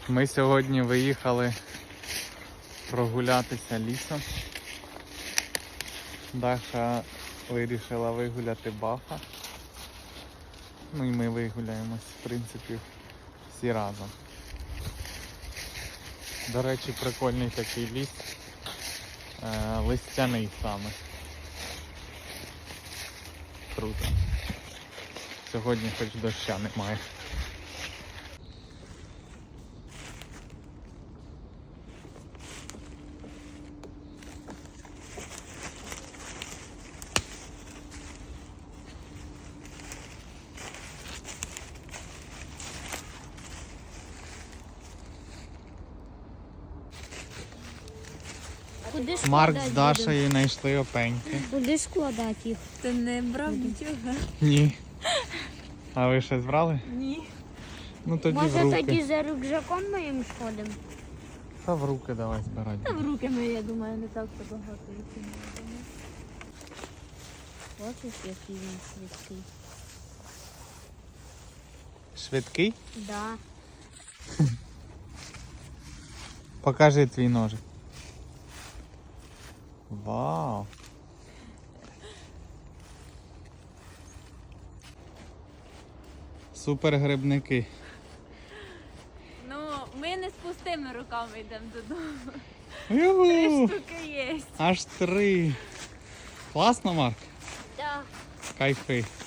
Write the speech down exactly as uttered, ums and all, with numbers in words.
Ми сьогодні виїхали прогулятися лісом. Даша вирішила вигуляти Баха. Ну і ми вигуляємось, в принципі, всі разом. До речі, прикольний такий ліс. Е, листяний саме. Круто. Сьогодні хоч доща немає. Куди Марк складати з Дашею знайшли опеньки. Куди складати їх? Ти не брав нічого? Ні. А ви щось брали? Ні. Ну тоді в Може руки. тоді за рюкзаком моїм сходимо? Та в руки давай збирати. Та в руки ми, я думаю, не так то багато їх. Бачиш, який він швидкий. Швидкий? Да. Покажи твій ножик. Вау! Супер грибники. Ну, ми не з пустими руками йдемо додому. Юху! Три штуки є. Аж три. Класно, Марк? Так. Кайфи.